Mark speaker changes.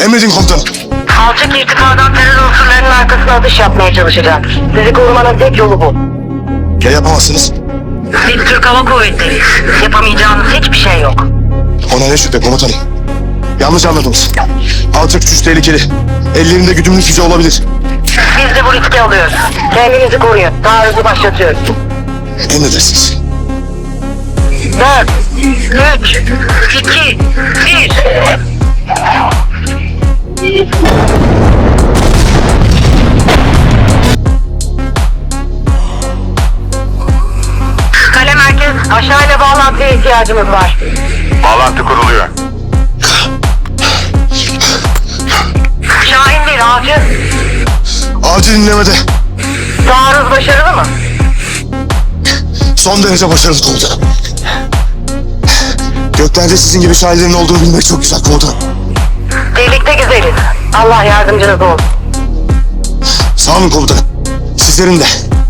Speaker 1: Emredin komutanım.
Speaker 2: Alçak irtifadan terör unsurlarının arkasına atış yapmaya çalışacak. Sizi korumanın tek yolu bu.
Speaker 1: Ya yapamazsınız?
Speaker 2: Biz Türk Hava Kuvvetleriyiz. Yapamayacağınız hiçbir şey yok.
Speaker 1: Ona ne şüphe komutanım. Yanlış anladınız. Alçak güç tehlikeli. Ellerinde güdümlü füze olabilir.
Speaker 2: Biz de bu riski alıyoruz. Kendinizi koruyun. Taarruzu başlatıyoruz.
Speaker 1: Emredersiniz.
Speaker 2: 4, 3, 2, 1. Kale merkez, aşağıyla bağlantıya ihtiyacımız var.
Speaker 3: Bağlantı kuruluyor.
Speaker 2: Şahin bir avcı.
Speaker 1: Avcı dinlemede.
Speaker 2: Taarruz başarılı mı?
Speaker 1: Son derece başarılı komutanım. Göklerde sizin gibi şairlerin olduğunu bilmek çok güzel komutanım.
Speaker 2: Birlikte güzeliz. Allah yardımcınız olsun.
Speaker 1: Sağ olun komutanım. Sizlerin de.